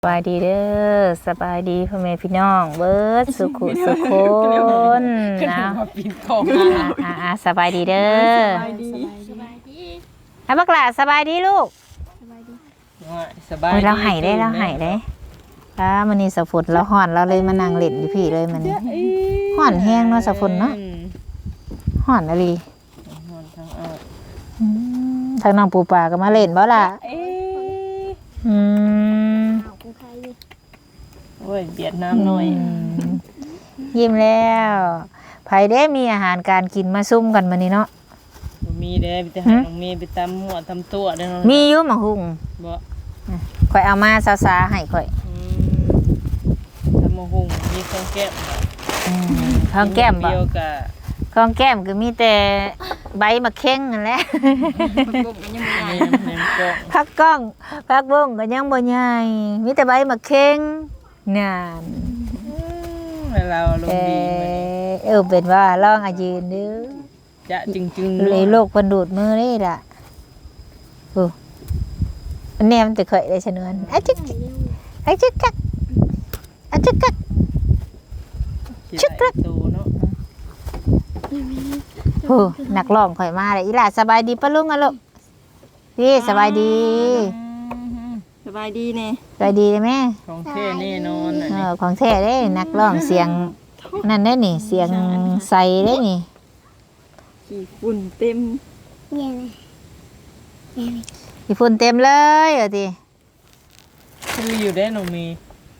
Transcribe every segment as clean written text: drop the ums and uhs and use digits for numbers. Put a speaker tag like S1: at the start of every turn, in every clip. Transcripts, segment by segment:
S1: สบายดีเด้อสบายดีพ่อแม่พี่น้องเบิดสุขุสุขคนนะสบายดีเด้อสบายดีบักหล่าสบายดีลูก
S2: สบายดี
S1: เราหายได้มันนี่สักฝนเราห่อนเราเลยมานั่งเล่นอยู่พี่เลยมันห่อนแห้งเนาะสักฝนเนาะห่อนอะไรทางน้องปูปลาก็มาเล่นบ่ล่ะ
S2: โอ้ยเบียดน้ำหน่อย
S1: ยิ้มแล้วไผได้มีอาหารการกินมาซุ่มกันมานี่เนาะ
S2: มีเด้ไปหาน้องเมย์ไปตำหัวตำตัวได้เนาะ
S1: มีอยู่หม่หุ่ง
S2: บ่
S1: ข่อยเอามาซาๆให้ข่อย
S2: ตำหุ่งมีข้าวแก้ม
S1: ข้าวแก้มบ่
S2: เดียวกับ
S1: ข้าวแก้มก็มีแต่ใบมะเข็งนั่นแหละผักก้องผักบุ้งก็ยังบ่ใหญ่มีแต่ใบมะเข็งนั่น
S2: เราลงดี
S1: เป็นว่าลองอายืนเด้อ
S2: จะจึง
S1: เลยโลกเพิ่นดูดมือนี่ล่ะอันนี้มันจะเคยได้ชนวนอะจึกอะจึกกักอะจึกกักชึกกักนักร้องข่อยมาเลยอีหล่าสบายดีปะลุงอะลูกพี่สบายดี
S2: สบายดีแน่
S1: สบายดีเลยแม่
S2: ของแท้แน่นอน
S1: ของแท้เด้นักร้องเสียงนั่นได้นี่เสียงใสได้นี่
S2: ขี้ฝุ่นเต็ม
S1: ขี้ฝุ่นเต็มเลยติ
S2: คืออยู่ได้น้องมี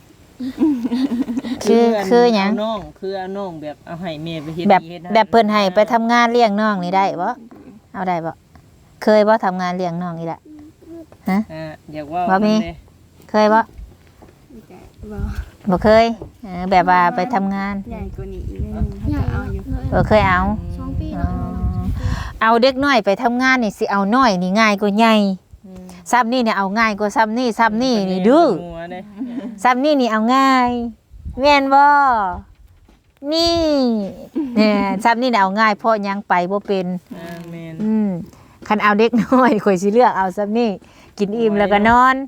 S1: คือหยัง
S2: น้องคือเอาน้องแบบเอาให้แม่ไปเฮ็ด
S1: แบบเพิ่นให้ไปทำงานเลี้ยงน้องนี่ได้บ่เอาได้บ่เคยบ่ทำงานเลี้ยงน้องนี่ล่ะฮะ
S2: อยากว่า
S1: มีเคยบ่บ่เคยแบบว่าไปทำงาน
S3: ใหญ่กว่านี้อีกนิดนึงเขาจะเอาอยู่
S1: เคยเอาเอาเด็กน้อยไปทำงานนี่สิเอาน้อยนี่ง่ายกว่าใหญ่ซ้ำนี่เนี่ยเอาง่ายกว่าซ้ำนี่นี่ดื้อซ้ำนี่เอาง่ายแม่นบ่นี่เนี่ยซ้ำนี่เอาง่ายเพราะยังไปบ่เป็น
S2: แม่น
S1: คันเอาเด็กน้อยข่อยสิเลือกเอาซ้ำนี่กินอิ่มแล้วก็นอน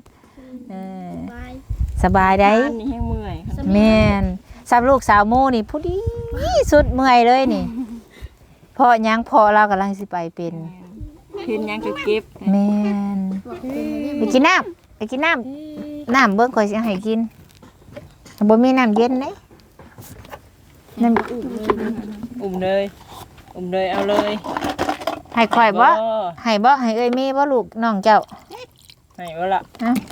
S1: สบายได้
S2: นี่แห้งเมื่อย
S1: แม่นซ้ำลูกสาวโมนี่ผู้ดีสุดเมื่อยเลยนี่เพราะยังพอเรากำลังสิไปเป็น
S2: เห็นยังก็เก็บ
S1: แม่นไปกินน้ำเบิ่งข่อยสิให้กินบ่มีน้ำเย็นเด้น้
S2: ำอุ้มเลยเอาเลย
S1: ให้ข่อยบ่ให้เอ้ยมีบ่ลูกน้องเจ้า
S2: ให้บ่ล่ะ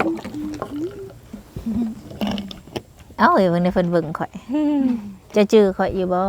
S1: เอ้าเบิ่งในเพิ่นเบิ่งข่อยจะจื้อข่อยอยู่บ่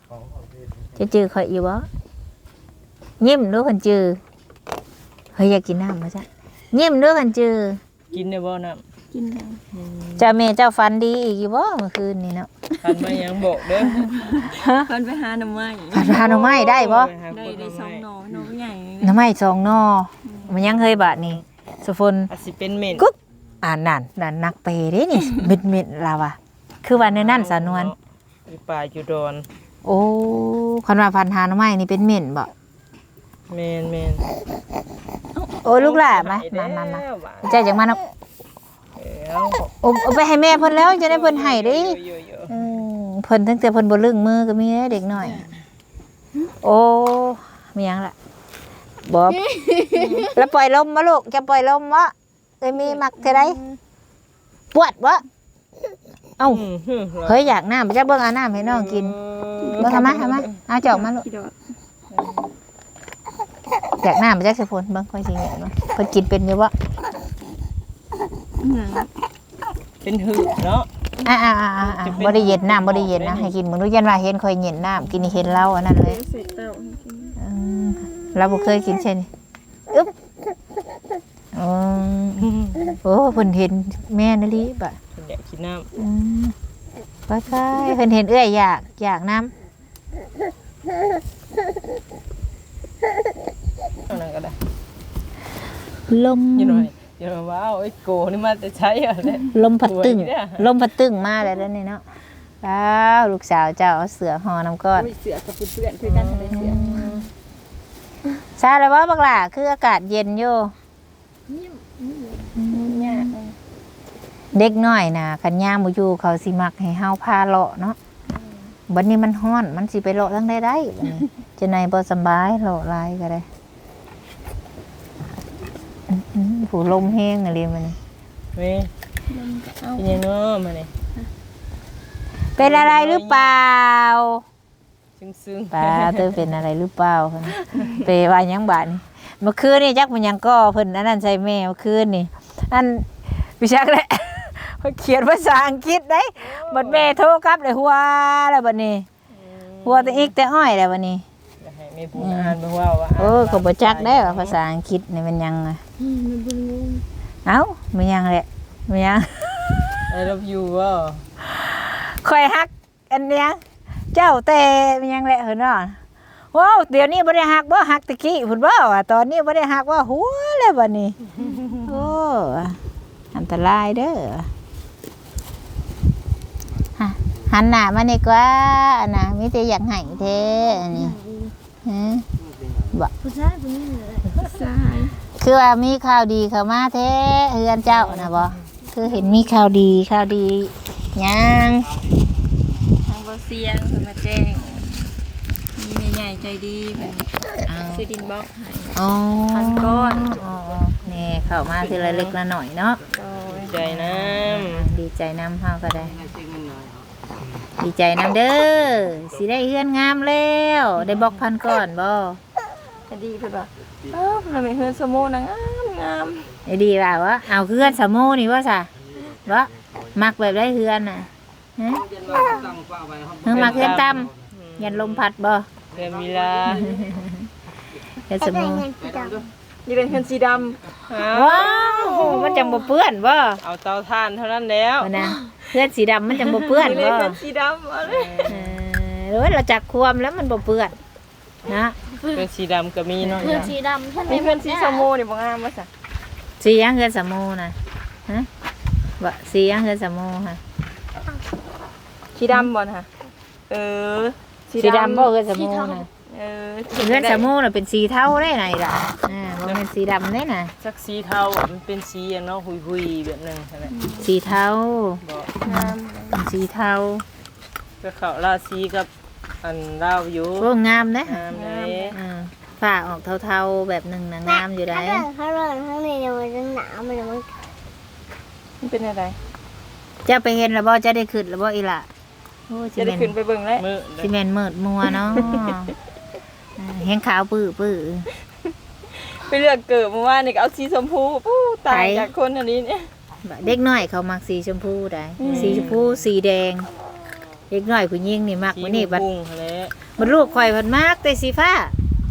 S1: ยิ้มดูคันจื้อเฮ้ยอยากกินน้ำบ่จ๊ะยิ้มดูคันจื้อ
S2: กินได้บ่น้ำ
S3: กินได้
S1: จ้าแม่เจ้าฟันดีอีกอยู่บ่เมื่อคืนนี่เนาะ
S2: ฟันมายังบอกเด้อ
S3: ฟันไปหาหน่อไม้
S1: ได้บ่
S3: ได้2 หน่อใหญ่
S1: หน่อไม้2 หน่อมันยังเคยบาดนี่สุฝน
S2: สิเป็นเม่น
S1: กุ๊บนั่นนักเปเด้นี่เม็ดลาวะคือว่าในนั้นสานวน
S2: ป่าอยู่ดอน
S1: โอ้คันว่าพันหาหน่อไม้นี่เป็นเม่นบ่
S2: แม่น
S1: โอ้ลูกหล่ะมาใจจังมาเนาะเอาไปให้แม่เพิ่นแล้วจะได้เพิ่นให้เด้เพิ่นตั้งแต่เพิ่นบ่ลึงมือก็มีเด็กน้อยโอ้มีหยังล่ะบ่แล้วปล่อยลมมาลูกจะปล่อยลมวะเอ้ยมีมักเท่าใดปวดบ่เอ้าเฮ้ยอยากน้ำจะเบิ่งเอาน้ำให้น้องกินบ่ทำมาเอาจอกมาลูกอยากน้ำมาจากสะพนเบิ่งค่อยสิเห็นบ่เพิ่นกินเป็นอยู่บ่
S2: เป็นหืดเนาะ
S1: บ่ได้เย็นน้ำบ่ได้เย็นนะให้กินมึงรู้ยันว่าเห็นค่อยเย็นน้ำกินเห็นเหล้าอันนั้นเลยเราบ่เคยกินใช่นี่อึ๊บโอ้เพิ่นเห็นแม่นลีบ่
S2: อยากกินน้
S1: ำไปเพิ่นเห็นเอื้อยอยากน้ำ
S2: นั่นก็ได้
S1: ลม
S2: อยู่หน่อยว้าวไอ้โกนี่มาแต่ใช้อะไร
S1: ลมพัดตึงมาแล้วนี่เนาะว้าวลูกสาวเจ้าเอาเสือห่อน้ำก้อน
S3: เสือกับเพื่อนคือกันเลยเสือ
S1: ซาเลยว่าบักหล่าคืออากาศเย็นอยู่เด็กน้อยน่ะคันยามบ่อยู่เขาสิมักให้เฮาพาเลาะเนาะบัดนี้มันร้อนมันสิไปเลาะทางใดได้บัดนี้จะไหนบ่สำบายเลาะหลายก็ได้ผู้ลมแห้งอะไรมันนี่
S2: เว้ยเป็นยังเนาะมานี่
S1: เป็นอะไรหรือเปล่า
S2: ซึ้งๆ
S1: ป้าเตอเป็นอะไรหรือเปล่าคะไปว่าหยังบาดนี่เมื่อคืนนี่จักมันหยังก็เพิ่นอันนั้นใส่แม่เมื่อคืนนี่อันพี่ชักแหละ เพิ่นเขียนภาษาอังกฤษได้บัดแม่โทรกลับเลยหัวแล้วบัดนี้หัวแต่อีกแต่อ้อยแล้วบัดนี้
S2: อยากให้แม่พูดอ่านเบิ่งว่าว่า
S1: ก็บ่จักได้ว่าภาษาอังกฤษนี่มันยังอะเอ้ามันยังแหละมันยัง
S2: I love you ว่า
S1: ค่อยฮักอันเนี้ยเจ้าแต่มันยังแหละเห็นเนาะว้าวเดี๋ยวนี้บ่ได้ฮักบ่ฮักตะกี้พุ่นบ่ว่าตอนนี้บ่ได้ฮักว่าหัวแล้วบัดนี้โอ้อันตรายเด้อฮะหันหน้ามานี่กว่าอันน่ะมีแต่อยากให้แท้อันนี้ฮะบ่
S4: ผู้ชายผู้หญิงเลย
S3: ใช่
S1: คือว่ามีข่าวดีเข้ามาแท้เฮือนเจ้าน่ะบ่คือเห็นมีข่าวดียัง
S3: ทางบ่เสียงเพิ่นมาแจ้งมีแม่ใหญ่ใจดีแบบซื้อดินบล็อกให้
S1: อ๋อ
S3: พันก้อน
S1: อ๋อนี่เข้ามาทีละเล็กละหน่อยเนาะ
S2: ใจน้
S1: ดีใจน้ำเฮาก็ได้ ดีใจน้ำเด้อสิได้เฮือนงามแล้วได้บอกพันก่อนบ่
S3: ก็ดีเพิ่นว่าเราไม่เฮือนสโมนะงาม
S1: ได้ดีว่าวะเอาเฮือนสะโมนี่ว่าซะบ่มักแบบได้เฮือนน่ะฮะเฮือนมักเฮือนต่ำยันลมพัดบ่
S2: ำเดือนมีลา
S1: เฮือนสะโม
S3: นี่เป็นเฮือนสีดำ
S1: ว้าวมันจังบ่เปื้อนบ่
S2: เอาเตาถ่านเท่านั้นแล้ว
S1: ว่านะเฮือนสีดำมันจังบ่เปื้อน
S3: นี่
S1: บ่
S3: เป็นเฮือนสีดำอะไร
S1: หรือว่าเราจักความแล้วมันบ่เปื้อนนะ
S2: เป็นสีดำก็มีเนาะ
S4: เพื่อนสีดำท่าน
S3: มีเฮือนสีสโมนี่บ่งามว่าซะ
S1: สีหยังเฮือนสะโมน่ะฮะบ่สีหยังเฮือนสะโมค่ะ
S3: สีดำบ่นะเออ
S1: สีดำบ่เฮือนสะโมน่ะ
S3: เออ
S1: เฮือนสะโมน่ะเป็นสีเทาได้ไหนล่ะบ่แม่นสีดำได้น่ะ
S2: สักสีเทามันเป็นสีอย่างเนาะหุยๆแบบนึงใช่ไหม
S1: สีเทา
S2: บอก
S3: งาม
S1: เป็นสีเทา
S2: ก็เขาราสีกับอันเล่าอยู่
S1: โอ้งามนะ
S2: งามเลย
S1: ฝ้าออกเทาๆแบบหนึงน่ะงามอยู่ได้
S4: ถ้าร้อนข้างในเดี๋ยวมันจะหนาวมันจะมัน
S3: มันเป็นอะไร
S1: จะไปเห็นแล้วบ่จะได้ขึ้นแล้วบ่อีหล่ะโอ้
S3: จะได้ขึ้นไปเบิ่งแล้ว
S2: มือ
S1: สิแม่นมืดมัวเนาะแห้งขาวปื้อ
S3: ไปเลือกเกิดเมื่อวานนี่ก็เอาสีชมพูปู้ตายจากคนอันนี้เนี่ย
S1: เด็กน้อยเขามักสีชมพูได้สีชมพูสีแดงเด็กน้อยผู้หญิงนี่มัก
S2: สี
S1: มื้อนี้บัด
S2: บุ้งแล้ว
S1: บัดลูกข่อยเพิ่นมักแต่สีฟ้า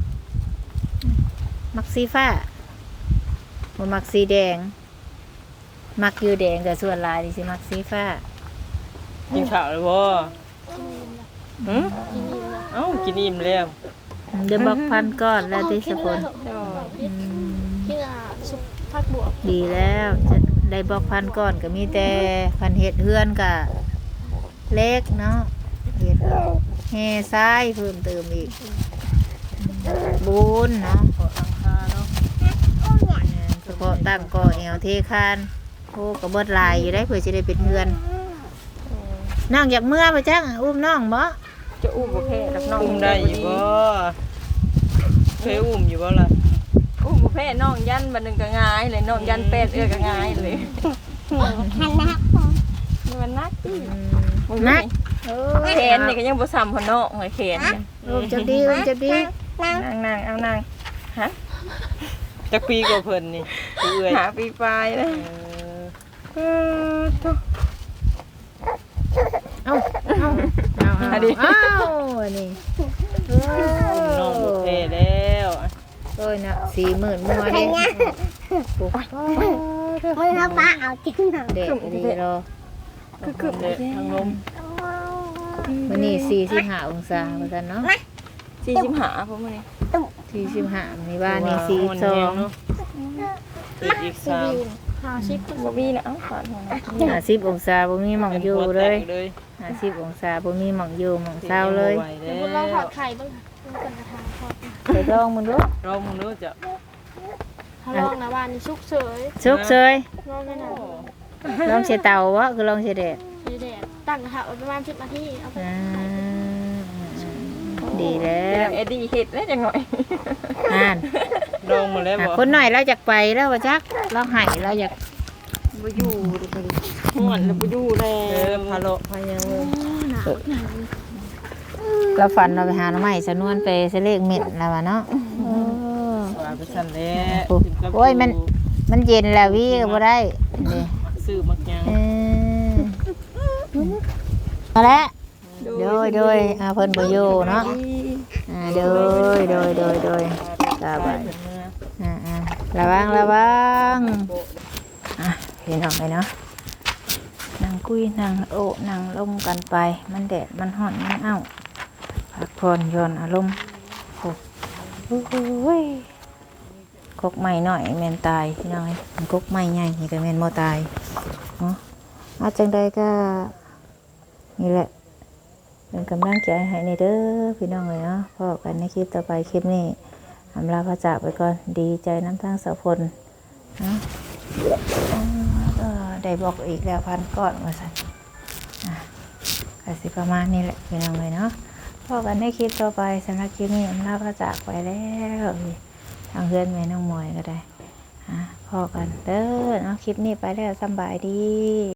S1: มักสีฟ้าบ่มักสีแดงมักอยู่แดงแต่ส่วนหลายนี่สิมักสีฟ้า
S2: กินข้าวเลยบ่หืมเอ้ากินอิ่มแล้ว
S1: เดี๋ยวบอกพันก้อนแล้วที่สกุล
S4: ที่ซุปผักบวบ
S1: ดีแล้วจะได้บอกพันก้อนก็มีแต่พันเห็ดเฮือนกับเล็กเนาะเห็ดแห่ซ้ายเพิ่มเติมอีกบุญเนาะ
S2: ขอตั้งค่าเนาะ
S1: เฉพาะตั้งก่อแอวเทคานโอ้กระเบิดลายอยู่ได้เพื่อจะได้เป็นเฮือนน้องอยากเมื่อไปจ้างอุ้มน้องบ่
S3: จะอุ้มบ่แพ้กับน้อง
S2: อุ้มได้อยู่บ่เคยอุ้มอยู่บ่ล่ะ
S3: อุ้มบ่แพ้น้องยันบัดนึงก็ง่ายเลยน้องยันเป็ดก็ง่ายเลย
S4: หันนัก
S3: มันนักติ
S1: นัก
S3: แขนนี่ก็ยังบ่ซ้ำพอน้องเลยแขนเนี่ย
S1: อุ้มจะดีอุ้มจะดี
S3: นางเอานางฮะ
S2: จักปีกว่าเพิ่นนี่ผู้เอื้อย
S3: หาปีปลายเลย
S2: เออ
S1: เอาเอาอันนี้นี่
S2: น้องบุกเทแล้ว
S1: โอ้ยนะ40,000มัวเด้
S4: ไม่รับปลาเอาจริงเหรอ
S1: เด็กดีรอ
S3: คือ
S2: เด็กทางลม
S1: วันนี้45องศาว่าซั่นเนาะ
S3: 45พวกมื้อนี้
S1: 45มีบ้านนี่
S2: เนาะอีก
S4: ซี
S2: 3
S4: บีนพาชิป
S3: บ่มีนะเอ้าขอโทษนะ
S1: 42 50องศาบ่มีหม่องอยู่เลย
S2: เลย
S1: 50องศาบ่มีหม่องอยู่หม่องเศร้าเลย
S4: เดี๋ยวเราถอดไข่บ้างต้องกันกระทางทอด
S1: ไปลองมึงดู
S2: เรามึงรู้จะ
S4: ถ้าลองนะบ้านนี่ชุกเฉย
S1: สุกเซย
S4: ลองได้นะ
S1: ลองเสียเตาวะคือลองเสียแดด
S4: สีแดดตั้งกระทะไว้ประมาณ10 นาทีเอาไป
S1: อ่าดีแล้
S3: แล้ว
S1: ว
S3: เอ็ดดี้เฮ็ดแล้วจังหน่อย
S1: อ่าน
S2: ลองมาแล้วบ่
S1: คนหน่อยเราอยากไปแล้วว่าจักเราให้เราอยาก
S3: บ่อยู่เด้อฮ้อนแล้วบ่อยู่แล้
S2: พาโลพายังเลย
S1: เราฝันเราไปหาหน่อไม้สนวนไปเสเลกเม็ดแล้ววะเนาะ
S2: ว่าไปสั่นแล้ว
S1: โอ้ยมันเย็นแล้ววิก็บ่ได้นี่
S2: ซื้อมักยัง
S1: เออมาแล้วโดยเพิ่นบ่อยู่เนาะโดยสบายระวังพี่น้องไปเนาะนั่งคุยนั่งโอ้นั่งลมกันไปมันแดดมันร้อนมันอ้าวพักผ่อนหย่อนอารมณ์โอ้ยกกใหม่หน่อยแม่นตายพี่น้องมันกกใหม่ใหญ่นี่ก็แม่นบ่ตายเนาะอาจังใดก็นี่แหละเป็นกำลังใจให้ในเด้อพี่น้องเลยเนาะพบกันในคลิปต่อไปคลิปนี้อำลาพระจากไปก่อนดีใจน้ำทางสะพลเนาะได้บอกอีกแล้วพันก้อนมาสั่นก็สิประมาณนี้แหละพี่น้องเลยเนาะพบกันในคลิปต่อไปสำหรับคลิปนี้อำลาพระจากไปแล้วทางเพื่อนแม่น้องมวยก็ได้พอกันเด้อเนาะคลิปนี้ไปแล้วสบายดี